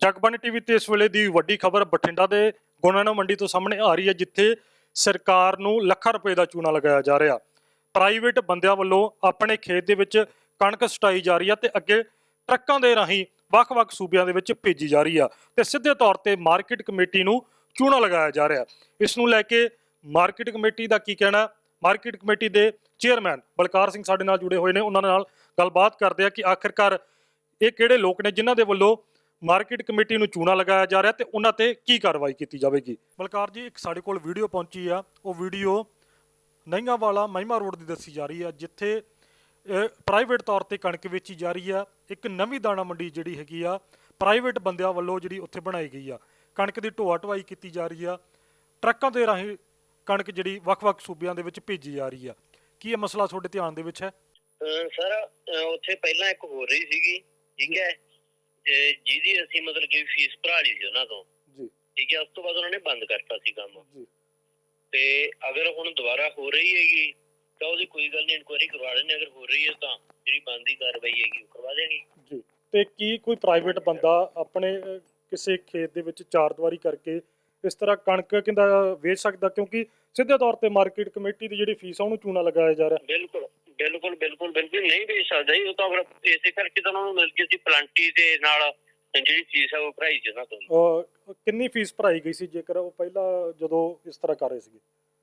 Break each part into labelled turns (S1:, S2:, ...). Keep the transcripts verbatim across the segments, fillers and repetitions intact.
S1: Jagbani TV ਤੇ ਇਸ ਵੇਲੇ ਦੀ ਵੱਡੀ ਖਬਰ ਬਠਿੰਡਾ ਦੇ ਗੋਨਾਣਾ ਮੰਡੀ ਤੋਂ ਸਾਹਮਣੇ ਆ ਰਹੀ ਹੈ, ਜਿੱਥੇ ਸਰਕਾਰ ਨੂੰ ਲੱਖਾਂ ਰੁਪਏ ਦਾ ਚੂਨਾ ਲਗਾਇਆ ਜਾ ਰਿਹਾ। ਪ੍ਰਾਈਵੇਟ ਬੰਦਿਆਂ ਵੱਲੋਂ ਆਪਣੇ ਖੇਤ ਦੇ ਵਿੱਚ ਕਣਕ ਸਟਾਈ ਜਾ ਰਹੀ ਹੈ ਤੇ ਅੱਗੇ ਟਰੱਕਾਂ ਦੇ ਰਾਹੀਂ ਵੱਖ-ਵੱਖ ਸੂਬਿਆਂ ਦੇ ਵਿੱਚ ਭੇਜੀ ਜਾ ਰਹੀ ਆ ਤੇ ਸਿੱਧੇ ਤੌਰ ਤੇ ਮਾਰਕੀਟ ਕਮੇਟੀ ਨੂੰ ਚੂਨਾ ਲਗਾਇਆ ਜਾ ਰਿਹਾ। ਇਸ ਨੂੰ ਲੈ ਕੇ ਮਾਰਕੀਟ ਕਮੇਟੀ ਦਾ ਕੀ ਕਹਿਣਾ? ਮਾਰਕੀਟ ਕਮੇਟੀ ਦੇ ਚੇਅਰਮੈਨ ਬਲਕਾਰ ਸਿੰਘ ਸਾਡੇ ਨਾਲ ਜੁੜੇ ਹੋਏ ਨੇ, ਉਹਨਾਂ ਨਾਲ ਗੱਲਬਾਤ ਕਰਦੇ ਆ ਕਿ ਆਖਿਰਕਾਰ ਇਹ ਕਿਹੜੇ ਲੋਕ ਨੇ ਜਿਨ੍ਹਾਂ ਦੇ ਵੱਲੋਂ ਮਾਰਕੀਟ ਕਮੇਟੀ ਨੂੰ ਚੂਨਾ ਲਗਾਇਆ ਜਾ ਰਿਹਾ ਤੇ ਉਹਨਾਂ ਤੇ ਕੀ ਕਾਰਵਾਈ ਕੀਤੀ ਜਾਵੇਗੀ। ਬਲਕਾਰ ਜੀ, ਇੱਕ ਸਾਡੇ ਕੋਲ ਵੀਡੀਓ ਪਹੁੰਚੀ ਆ, ਉਹ ਵੀਡੀਓ ਨਈਆਂ ਵਾਲਾ ਮਹਿਮਾ ਰੋਡ ਦੀ ਦੱਸੀ ਜਾ ਰਹੀ ਆ, ਜਿੱਥੇ ਪ੍ਰਾਈਵੇਟ ਤੌਰ ਤੇ ਕਣਕ ਵੇਚੀ ਜਾ ਰਹੀ ਆ। ਇੱਕ ਨਵੀਂ ਦਾਣਾ ਮੰਡੀ ਜਿਹੜੀ ਹੈਗੀ ਆ ਪ੍ਰਾਈਵੇਟ ਬੰਦਿਆਂ ਵੱਲੋਂ ਜਿਹੜੀ ਉੱਥੇ ਬਣਾਈ ਗਈ ਆ, ਕਣਕ ਦੀ ਢੋਆ ਢੁਆਈ ਕੀਤੀ ਜਾ ਰਹੀ ਆ, ਟਰੱਕਾਂ ਦੇ ਰਾਹੀਂ ਕਣਕ ਜਿਹੜੀ ਵੱਖ-ਵੱਖ ਸੂਬਿਆਂ ਦੇ ਵਿੱਚ ਭੇਜੀ ਜਾ ਰਹੀ ਆ। ਕੀ ਇਹ ਮਸਲਾ ਤੁਹਾਡੇ ਧਿਆਨ ਦੇ ਵਿੱਚ ਹੈ?
S2: ਸਰ ਉੱਥੇ ਪਹਿਲਾਂ ਇੱਕ ਹੋ ਰਹੀ ਸੀਗੀ, ਠੀਕ ਹੈ, ਜਿਹਦੀ ਅਸੀਂ ਮਤਲਬ ਕਿ ਫੀਸ ਭਰਾ ਲਈ ਸੀ ਉਹਨਾਂ ਤੋਂ, ਠੀਕ ਹੈ। ਉਸ ਤੋਂ ਬਾਅਦ ਉਹਨਾਂ ਨੇ ਬੰਦ ਕਰਤਾ ਸੀ ਕੰਮ, ਤੇ ਅਗਰ ਹੁਣ ਦੁਬਾਰਾ ਹੋ ਰਹੀ ਹੈਗੀ ਤਾਂ ਉਹਦੀ ਕੋਈ ਗੱਲ ਨਹੀਂ, ਇਨਕੁਆਇਰੀ ਕਰਵਾ ਲੈਣੇ। ਅਗਰ ਹੋ ਰਹੀ ਹੈ ਤਾਂ ਜਿਹੜੀ ਬਣਦੀ ਕਾਰਵਾਈ ਹੈਗੀ ਉਹ ਕਰਵਾ ਦੇਣੀ ਜੀ।
S1: ਤੇ ਕੀ ਕੋਈ ਪ੍ਰਾਈਵੇਟ ਬੰਦਾ ਆਪਣੇ ਕਿਸੇ ਖੇਤ ਦੇ ਵਿੱਚ ਚਾਰ ਦੀਵਾਰੀ ਕਰਕੇ ਇਸ ਤਰ੍ਹਾਂ ਕਣਕ ਕਹਿੰਦਾ ਵੇਚ ਸਕਦਾ? ਕਿਉਂਕਿ ਸਿੱਧੇ ਤੌਰ ਤੇ ਮਾਰਕੀਟ ਕਮੇਟੀ ਦੀ ਜਿਹੜੀ ਫੀਸ ਆ ਉਹਨੂੰ ਚੂਨਾ ਲਗਾਇਆ ਜਾ ਰਿਹਾ।
S2: ਬਿਲਕੁਲ ਬਿਲਕੁਲ ਬਿਲਕੁਲ ਬਿਲਕੁਲ ਨਹੀਂ ਵੇਚ ਸਕਦਾ ਜੀ। ਉਹ ਤਾਂ ਫਿਰ ਇਸੇ ਕਰਕੇ ਤਾਂ ਉਹਨਾਂ ਨੂੰ ਮਿਲ ਗਈ ਸੀ ਪਲਾਂਟੀ ਦੇ ਨਾਲ ਜਿਹੜੀ ਫੀਸ ਆ ਉਹ ਭਰਾਈ ਸੀ ਉਹਨਾਂ ਤੋਂ।
S1: ਕਿੰਨੀ ਫੀਸ ਭਰਾਈ ਗਈ ਸੀ ਜੇਕਰ ਉਹ ਪਹਿਲਾਂ ਜਦੋਂ ਇਸ ਤਰ੍ਹਾਂ ਕਰ ਰਹੇ ਸੀਗੇ?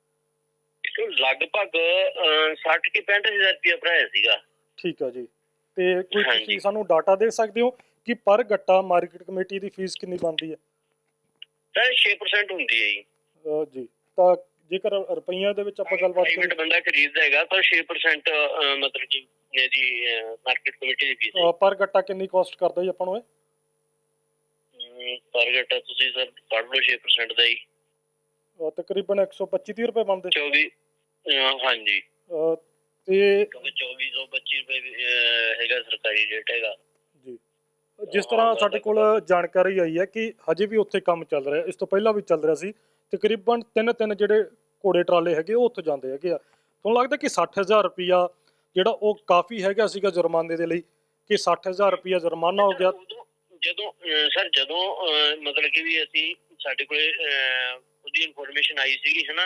S2: ਲਗਭਗ ਸੱਠ ਕਿ ਪੈਂਹਠ ਹਜ਼ਾਰ ਰੁਪਇਆ ਭਰਾਇਆ ਸੀਗਾ।
S1: ਠੀਕ ਆ ਜੀ। ਤੇ ਕੋਈ ਤੁਸੀਂ ਸਾਨੂੰ ਡਾਟਾ ਦੇ ਸਕਦੇ ਹੋ ਕਿ ਪਰ ਗੱਟਾ ਮਾਰਕੀਟ ਕਮੇਟੀ ਦੀ ਫੀਸ ਕਿੰਨੀ ਬਣਦੀ ਹੈ?
S2: ਸਰ ਛੇ ਪਰਸੈਂਟ ਹੁੰਦੀ ਹੈ ਜੀ।
S1: ਜੀ, ਤਾਂ ਜੇਕਰ ਰੁਪਈਆਂ ਦੇ ਵਿੱਚ ਆਪਾਂ ਗੱਲਬਾਤ ਕਰੀਏ,
S2: ਪ੍ਰਾਈਵੇਟ ਬੰਦਾ ਖਰੀਦਦਾ ਹੈਗਾ ਤਾਂ ਛੇ ਪਰਸੈਂਟ ਮਤਲਬ ਕਿ ਇਹਦੀ ਮਾਰਕੀਟ ਕਮੇਟੀ ਦੀ ਫੀਸ
S1: ਪਰ ਗੱਟਾ ਕਿੰਨੀ ਕਾਸਟ ਕਰਦਾ ਜੀ ਆਪਾਂ ਨੂੰ?
S2: ਇਹ ਪਰ ਗੱਟਾ ਤੁਸੀਂ ਸਰ ਪੜ੍ਹ ਲਓ, ਛੇ ਪਰਸੈਂਟ ਦਾ ਜੀ
S1: ਤਕਰੀਬਨ ਇੱਕ ਸੌ ਪੱਚੀ ਤੀਹ ਰੁਪਏ ਬਣਦੇ।
S2: ਚੌਵੀ ਹਾਂਜੀ
S1: ਤੇ
S2: ਚੌਵੀ ਸੌ ਪੱਚੀ ਰੁਪਏ ਹੈਗਾ ਸਰਕਾਰੀ ਰੇਟ ਹੈਗਾ ਜੀ।
S1: ਜਿਸ ਤਰ੍ਹਾਂ ਸਾਡੇ ਕੋਲ ਜਾਣਕਾਰੀ ਆਈ ਹੈ ਕਿ ਹਜੇ ਵੀ ਉੱਥੇ ਕੰਮ ਚੱਲ ਰਿਹਾ, ਇਸ ਤੋਂ ਪਹਿਲਾਂ ਵੀ ਚੱਲ ਰਿਹਾ ਸੀ। ਤਕਰੀਬਨ ਤਿੰਨ ਤਿੰਨ ਜਿਹੜੇ ਘੋੜੇ ਟਰਾਲੇ ਹੈਗੇ ਉਹ ਉੱਥੇ ਜਾਂਦੇ ਹੈਗੇ ਆ। ਤੁਹਾਨੂੰ ਲੱਗਦਾ ਕਿ ਸੱਠ ਹਜ਼ਾਰ ਰੁਪਈਆ ਜਿਹੜਾ ਉਹ ਕਾਫੀ ਹੈਗਾ ਸੀਗਾ ਜੁਰਮਾਨੇ ਦੇ ਲਈ, ਕਿ ਸੱਠ ਹਜ਼ਾਰ ਰੁਪਈਆ ਜੁਰਮਾਨਾ ਹੋ ਗਿਆ?
S2: ਜਦੋਂ ਸਰ ਜਦੋਂ ਮਤਲਬ ਕਿ ਵੀ ਅਸੀਂ ਸਾਡੇ ਕੋਲੇ ਉਹਦੀ ਇਨਫੋਰਮੇਸ਼ਨ ਆਈ ਸੀਗੀ ਹੈ ਨਾ,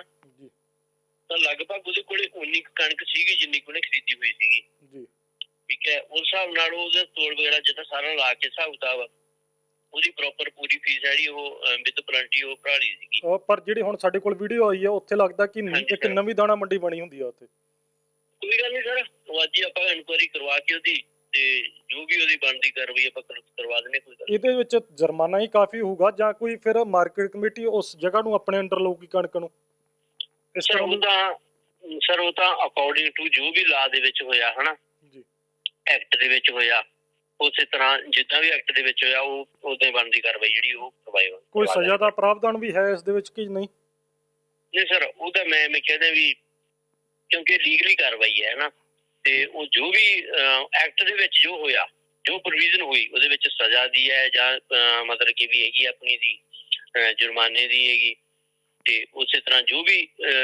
S2: ਤਾਂ ਲਗਭਗ ਉਹਦੇ ਕੋਲੇ ਉਨੀ ਕਣਕ ਸੀਗੀ ਜਿੰਨੀ ਕੋਲੇ ਖਰੀਦੀ ਹੋਈ ਸੀਗੀ ਜੀ, ਠੀਕ ਹੈ। ਉਸ ਹਿਸਾਬ ਨਾਲ ਉਹਦੇ ਤੋਲ ਵਗੈਰਾ ਜਿੱਦਾਂ ਸਾਰਾ ਲਾ ਕੇ ਹਿਸਾਬ ਕਿਤਾਬ ਉਹਦੀ ਪ੍ਰੋਪਰ ਪੂਰੀ ਫੀਸ ਜਿਹੜੀ ਉਹ ਵਿਦ ਪਲੰਟੀ ਉਹ ਭਰਾ ਲਈ ਸੀਗੀ।
S1: ਪਰ ਜਿਹੜੀ ਹੁਣ ਸਾਡੇ ਕੋਲ ਵੀਡੀਓ ਆਈ ਆ ਉੱਥੇ ਲੱਗਦਾ ਕਿ ਇੱਕ ਨਵੀਂ ਦਾਣਾ ਮੰਡੀ ਬਣੀ ਹੁੰਦੀ ਆ ਉੱਥੇ।
S2: ਕੋਈ ਗੱਲ ਨਹੀਂ ਸਰ, ਉਹ ਅੱਜ ਹੀ ਆਪਾਂ ਇਨਕੁਆਇਰੀ ਕਰਵਾ ਕੇ ਉਹਦੀ ਤੇ ਜੋ ਵੀ ਉਹਦੀ ਬਣਦੀ ਕਾਰਵਾਈ ਆਪਾਂ ਕਰਵਾ ਦਿੰਦੇ। ਕੋਈ ਗੱਲ
S1: ਇਹਦੇ ਵਿੱਚ ਜੁਰਮਾਨਾ ਹੀ ਕਾਫੀ ਹੋਊਗਾ ਜਾਂ ਕੋਈ ਫਿਰ ਮਾਰਕੀਟ ਕਮੇਟੀ ਉਸ ਜਗ੍ਹਾ ਨੂੰ ਆਪਣੇ ਅੰਡਰ ਲਊਗੀ ਕਣਕ ਨੂੰ?
S2: ਸਰ ਉਹ ਤਾਂ ਸਰ ਉਹ ਤਾਂ ਅਕੋਰਡਿੰਗ ਟੂ ਜੋ ਵੀ ਲਾ ਦੇ ਵਿੱਚ ਹੋਇਆ ਹਨਾ ਜੀ, ਐਕਟ ਦੇ ਵਿੱਚ ਹੋਇਆ, ਉਸੇ ਤਰ੍ਹਾਂ ਜਿੱਦਾਂ ਵੀ ਐਕਟ ਦੇ ਵਿੱਚ ਹੋਇਆ ਉਹ ਉਹਦੇ ਬਣਦੀ ਕਾਰਵਾਈ ਜਿਹੜੀ ਉਹ ਕਰਵਾਈ।
S1: ਕੋਈ ਸਜ਼ਾ ਦਾ ਪ੍ਰਾਵਧਾਨ ਵੀ ਹੈ ਇਸ ਦੇ ਵਿੱਚ ਕਿ ਨਹੀਂ?
S2: ਨਹੀਂ ਸਰ, ਉਹ ਤਾਂ ਮੈਂ ਮੈਂ ਕਹਿੰਦਾ ਵੀ ਕਿਉਂਕਿ ਲੀਗਲੀ ਕਾਰਵਾਈ ਹੈ ਨਾ, ਤੇ ਉਹ ਜੋ ਵੀ ਐਕਟ ਦੇ ਵਿੱਚ ਜੋ ਹੋਇਆ, ਜੋ ਪ੍ਰੋਵੀਜ਼ਨ ਹੋਈ ਉਹਦੇ ਵਿੱਚ ਸਜ਼ਾ ਦੀ ਹੈ ਜਾਂ ਮਤਲਬ ਕਿ ਵੀ ਹੈਗੀ ਆਪਣੀ ਦੀ ਜੁਰਮਾਨੇ ਦੀ ਹੈਗੀ, ਤੇ ਉਸੇ ਤਰ੍ਹਾਂ ਜੋ ਵੀ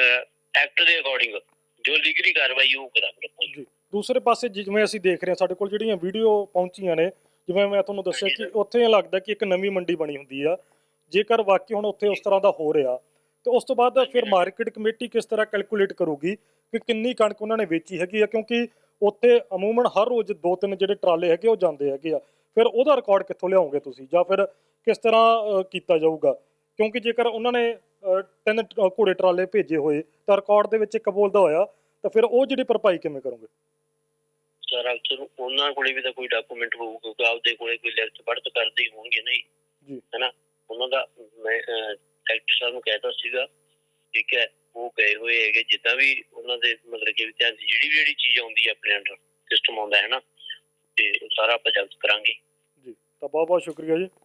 S2: ਐਕਟ ਦੇ ਅਕੋਰਡਿੰਗ ਜੋ ਲੀਗਲੀ ਕਾਰਵਾਈ ਉਹ ਕਰਾਂਗੇ।
S1: ਦੂਸਰੇ ਪਾਸੇ ਜਿਵੇਂ ਅਸੀਂ ਦੇਖ ਰਹੇ ਹਾਂ ਸਾਡੇ ਕੋਲ ਜਿਹੜੀਆਂ ਵੀਡੀਓ ਪਹੁੰਚੀਆਂ ਨੇ, ਜਿਵੇਂ ਮੈਂ ਤੁਹਾਨੂੰ ਦੱਸਿਆ ਕਿ ਉੱਥੇ ਲੱਗਦਾ ਕਿ ਇੱਕ ਨਵੀਂ ਮੰਡੀ ਬਣੀ ਹੁੰਦੀ ਆ। ਜੇਕਰ ਵਾਕਈ ਹੁਣ ਉੱਥੇ ਉਸ ਤਰ੍ਹਾਂ ਦਾ ਹੋ ਰਿਹਾ ਤੇ ਉਸ ਤੋਂ ਬਾਅਦ ਫਿਰ ਮਾਰਕੀਟ ਕਮੇਟੀ ਕਿਸ ਤਰ੍ਹਾਂ ਕੈਲਕੂਲੇਟ ਕਰੂਗੀ ਕਿ ਕਿੰਨੀ ਕਣਕ ਉਹਨਾਂ ਨੇ ਵੇਚੀ ਹੈਗੀ ਆ? ਕਿਉਂਕਿ ਉੱਥੇ ਅਮੂਮਨ ਹਰ ਰੋਜ਼ ਦੋ ਤਿੰਨ ਜਿਹੜੇ ਟਰਾਲੇ ਹੈਗੇ ਉਹ ਜਾਂਦੇ ਹੈਗੇ ਆ। ਫਿਰ ਉਹਦਾ ਰਿਕਾਰਡ ਕਿੱਥੋਂ ਲਿਆਓਗੇ ਤੁਸੀਂ, ਜਾਂ ਫਿਰ ਕਿਸ ਤਰ੍ਹਾਂ ਕੀਤਾ ਜਾਊਗਾ? ਕਿਉਂਕਿ ਜੇਕਰ ਉਹਨਾਂ ਨੇ ਤਿੰਨ ਘੋੜੇ ਟਰਾਲੇ ਭੇਜੇ ਹੋਏ ਤਾਂ ਰਿਕਾਰਡ ਦੇ ਵਿੱਚ ਇੱਕ ਬੋਲਦਾ ਹੋਇਆ, ਤਾਂ ਫਿਰ ਉਹ ਜਿਹੜੀ ਭਰਪਾਈ ਕਿਵੇਂ ਕਰੋਗੇ?
S2: ਸਰ ਅਕਸਰ ਉਹਨਾਂ ਕੋਲੇ ਵੀ ਤਾਂ ਕੋਈ ਡਾਕੂਮੈਂਟ ਹੋਊ, ਕਿਉਂਕਿ ਆਪਦੇ ਕੋਲੇ ਕੋਈ ਲਿਖਤ ਪੜ੍ਹਤ ਕਰਦੇ ਹੀ ਹੋਣਗੇ ਨਹੀਂ ਜੀ, ਹਨਾ। ਉਹਨਾਂ ਦਾ ਮੈਂ ਸੈਕਟਰੀ ਸਾਹਿਬ ਨੂੰ ਕਹਿਤਾ ਸੀਗਾ, ਠੀਕ ਹੈ, ਉਹ ਗਏ ਹੋਏ ਹੈਗੇ। ਜਿੱਦਾਂ ਵੀ ਉਹਨਾਂ ਦੇ ਮਤਲਬ ਕਿ ਧਿਆਨ ਜਿਹੜੀ ਵੀ ਜਿਹੜੀ ਚੀਜ਼ ਆਉਂਦੀ ਹੈ ਆਪਣੇ ਅੰਡਰ ਸਿਸਟਮ ਆਉਂਦਾ ਹੈ ਨਾ, ਤੇ ਸਾਰਾ ਆਪਾਂ ਜਲਦ ਕਰਾਂਗੇ ਜੀ। ਤਾਂ ਬਹੁਤ ਬਹੁਤ ਸ਼ੁਕਰੀਆ ਜੀ।